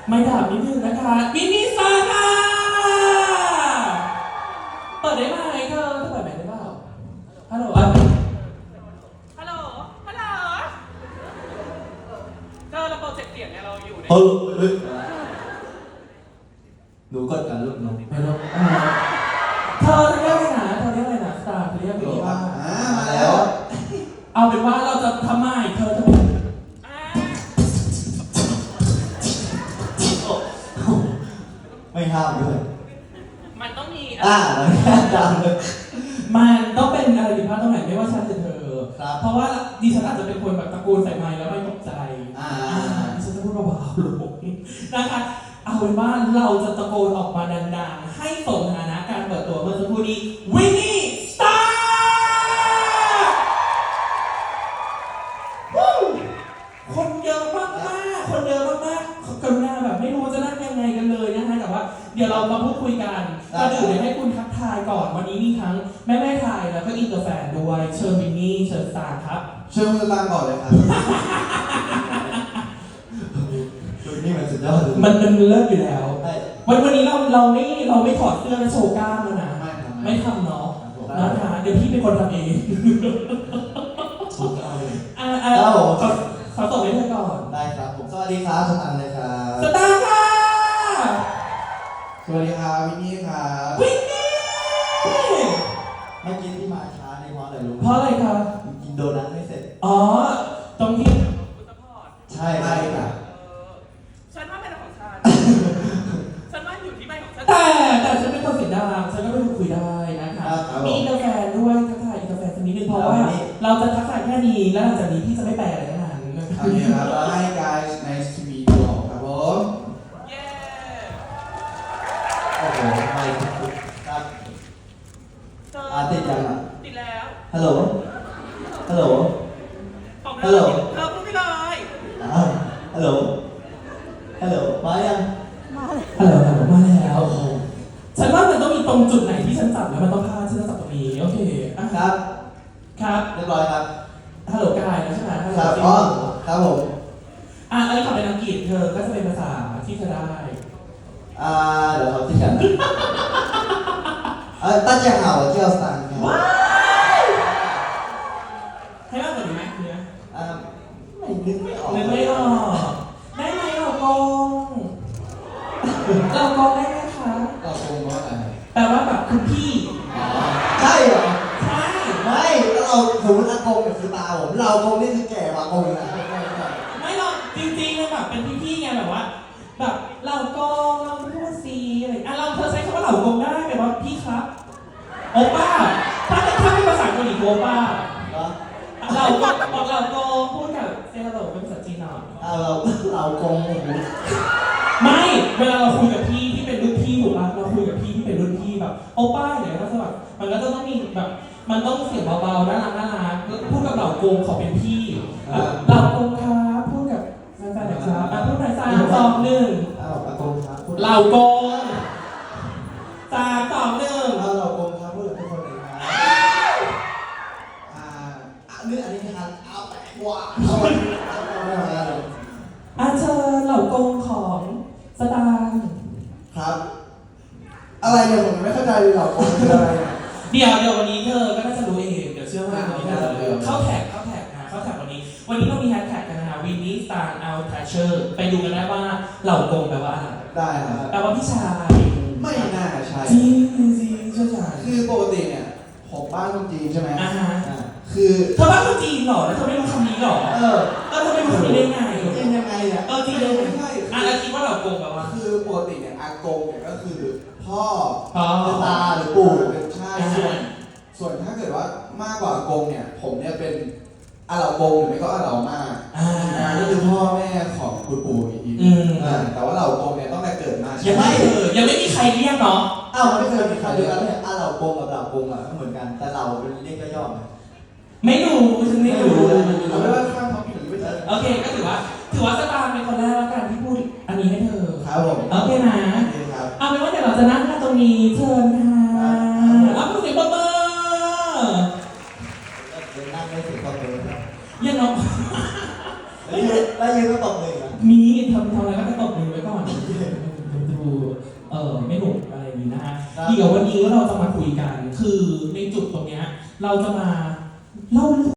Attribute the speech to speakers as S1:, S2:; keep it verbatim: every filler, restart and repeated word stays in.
S1: ไม่ถามนิดนึงนะคะมินิซาร่าเปิดได้ไหมเธอเธอเปิดไหมได้เปล่าฮัลโหลอ่ะฮัลโหลฮัลโหลเธอเราโปรเจกต์เสียงเนี่ยเราอยู่ใน
S2: เออเฮ้ยหนูกดกันลูกหนูไม่รู้
S1: เธอเรียกอะไรนะเธอเรียกอะไรนะสตาร์เธอเรียกอะไรว่า
S2: อ่ามาแล้ว
S1: เอาเป็นว่าเราจะทำไมเธอจะ
S2: ไม่ห้ามด้วย
S1: มันต้องมี
S2: อ่ามันแค่ดังเลย
S1: มันต้องเป็นอะไรผิดพลาดตรงไหนไม่ว่าฉันหรือเธอ
S2: เพ
S1: ราะว่าดิฉันอาจจะเป็นคนแบบตะโกนใส่ไมค์แล้วไม่ตกใจอ่าดิฉันจะพูดเบาๆลงนะคะเอาเป็นว่าเราจะตะโกนออกมาดังๆให้สมฐานะการเปิดตัวเมื่อสักครู่นี้วินนี่สตาร์คนเยอะมากๆคนเยอะมากๆกรุณาแบบไม่รู้จะนั่งยังไงกันเลยนะคะแต่ว่าเดี๋ยวเรามาพูดคุยกันก็เดี๋ยวให้คุณทักทายก่อนวันนี้มีทั้งแม่แม่ไทยแล้วก็อินเตอร์แฟนด้วยเชิญวินนี่เชิญสตาร์ครับ
S2: เชิญคุณตามก่อนเลยครับชุดนี้มันสุดยอด
S1: มันมันเลิศอยู่แล้ววันวันนี้เราเราไม่เราไม่ถอดเสื้อและโชว์กล้ามแล้วนะไม่ทำเนาะนะคะเดี๋ยวพี่เป็นคนทำเองอ่าอ่าขอตบให้เธอก่อน
S2: ได้ครับผมสวัสดีครับสตางค์เลยครับ
S1: สตางค์ค่ะ
S2: สวัสดีครับวินนี่ครับ
S1: วินนี่
S2: เมื่อกี้ที่มาช้าในเพราะอะไรรู้
S1: เพราะอะไรครับ
S2: กินโดนัทไม่เสร็จ
S1: อ๋อตรงที่
S2: ใช่ใช่ครับ
S1: ฉันว่าเป็นของฉันฉันว่าอยู่ที่ใบของฉันแต่แต่ฉันเป็นคนเสียงดังฉันก็เป็นคนคุยได้นะคะมีอินเตอร์แฟนด้วยทักทายอินเตอร์แฟนสักนิดนึงเพราะว่าเราจะทักทายแค่นี้แล้วหลังจากนี้พี่จะไม่แปลอะไรทั้งนั้น
S2: โอเคครับ Hi guys nice to meet you all ครับผมเย้โอ้โหไม่ครับอ่าติดยังอ่ะ
S1: ติดแล้ว
S2: ฮัลโหลฮัลโหลฮัลโหล
S1: เธอพูดไปเลย
S2: อ่าฮัลโหลฮัลโหลมายัง
S1: มาฮัลโหลฮัลโหลมาแล้วฉันว่ามันต้องมีตรงจุดไหนที่ฉันจับแล้วมันต้องพลาดฉันจะจับตรงนี้โอเค
S2: ครับ
S1: ครับ
S2: เรียบร้อยครับ
S1: ฮัลโหลกายนะใช่ไหม
S2: ครับอ๋อครับผม
S1: อ่ะอันนี้ขอเป็นอังกฤษเธอก็จะเป็นภาษาที่เธอได้
S2: อ่าเดี๋ยวเขาที่กันนะเออตั้งใจหาว่าเที่ยวสตางค์ครับ
S1: ว้าวให้มากกว่านี้ไหมคือ
S2: อ่าไม่นึกไม่ออก
S1: นึกไม่ออกได้ไหมเรากงเรากงได้ไหมคะ
S2: เราคงว่าอะไร
S1: แปลว่าแบบคุณพี่
S2: ใช่เหรอ
S1: ใช่
S2: ไม่แล้วเราสมมติอากงเนี่ยคือตาผมเราคงนี่คือแก่กว่าอากงนะ
S1: ไม่หรอกจริงๆเลยแบบเป็นพี่ๆไงแบบว่าแบบเรากงเราพูดซีอะไรอ่ะเราเธอใช้คำว่าเหล่ากงได้แบบว่าพี่ครับโอป้าถ้าถ้าเป็นภาษาเกาหลีโอป้าเราก็บอกเราโกพูดกับเซฮัลโหลเป็นภาษาจีนหน่อย
S2: เราเราโกง
S1: ไม่เวลาเราคุยกับพี่ที่เป็นรุ่นพี่ถูกป่ะเราคุยกับพี่ที่เป็นรุ่นพี่แบบโอป้าเนี่ยก็จะแบบมันก็จะต้องมีแบบมันต้องเสียงเบาๆน่ารักน่ารักพูดกับเหล่าโกงเขาเป็นพี่เหล่าโกงครับพูดกับแฟนๆนะครับอ่ะพูดหน่อยสามสองหนึ่งเหล่าโกงสามสองหนึ่ง
S2: เหล่าโกงครับพูดกับทุกคนเลยครับอ่าอันนี้อันนี้ทานเอาแปะกว่าเอาไป
S1: อาเชิญเหล่ากงของสตางค์
S2: ครับอะไรเนี่ยผมไม่เข้าใจเหล่ากงคืออะไร
S1: เดี๋ยวเดี๋ยววันนี้เธอก็น่าจะรู้เองเดี๋ยวเชื่อว่าวันนี้เข้าแท็กเข้าแท็กนะเข้าแท็กวันนี้วันนี้เรามีแฮชแท็กกันนะวินนี่สตาร์เอาแทชเชอร์ไปดูกันได้ว่าเหล่ากงแปลว่าอะไร
S2: ได้ครับ
S1: แปลว่าพี่ชาย
S2: ไม่น่าใช่
S1: จริงจริงจริงใช่ใช่
S2: คือปกติเนี่ยผมบ้านคนจีนใช่ไหม
S1: อ่าฮะ
S2: คือ
S1: เธอบ้านคนจีนหรอแล้วเธอไม่รู้คำนี้หรอ
S2: เออ
S1: เออเธอไม่รู้คำนี้ได้ไง
S2: จีนยังไงเนี่ย
S1: เออจีนยังไม่ใช่อ่ะแล้วคิดว่าเหล่ากงแปลว่า
S2: คือปกติเนี่ยอากงเนี่ยก็คือพ่อ
S1: พ่อ
S2: ตาหรือปู่เป็นใช่ส่วนส่วนถ้าเกิดว่ามากกว่าอากงเนี่ยผมเนี่ยเป็นอาเหล่ากงหรือไม่ก็อาเหล่ามา
S1: อ่า
S2: นี่คือพ่อแม่ของคุณปู่อีกทีแต่ว่าเหล่ากงเนี่ยต้องแต่เกิดมา
S1: ยังไม่เออยังไม่มีใครเรียกเนาะ
S2: อ้าวมันไม่เคยมีใครเรียกกันเลยอาเหล่ากงกับเหล่ากงอ่ะก็เหมือนกันแต่เราเป็นเรียกย่อๆ
S1: ไม่รู้ฉันไม่รู้
S2: เอาไม่ว่าข้ามท็อปปิ้งหรือไม่ใช่
S1: โอเคก็ถือว่าถือว่าสตาร์เป็นคนแรกแล้วกันที่พูดอันนี้ให้เธอ
S2: ครับผม
S1: โอเคนะเอาเป็นว่าเดี๋ยวเราจะนั่งกันตรงนี้เชิญค่ะรับผู้เสียงปรบมือ
S2: นั่งไม่ถึงตบเลย
S1: ยังเนาะ
S2: แล้วยืนก็ตบเลย
S1: มีทำทำอะไรก็ตบมือไว้ก่อนดูเออไม่หนุกอะไรอย่างนี้นะฮะเดี๋ยววันนี้เราจะมาคุยกันคือในจุดตรงเนี้ยเราจะมาเล่าเรื่อง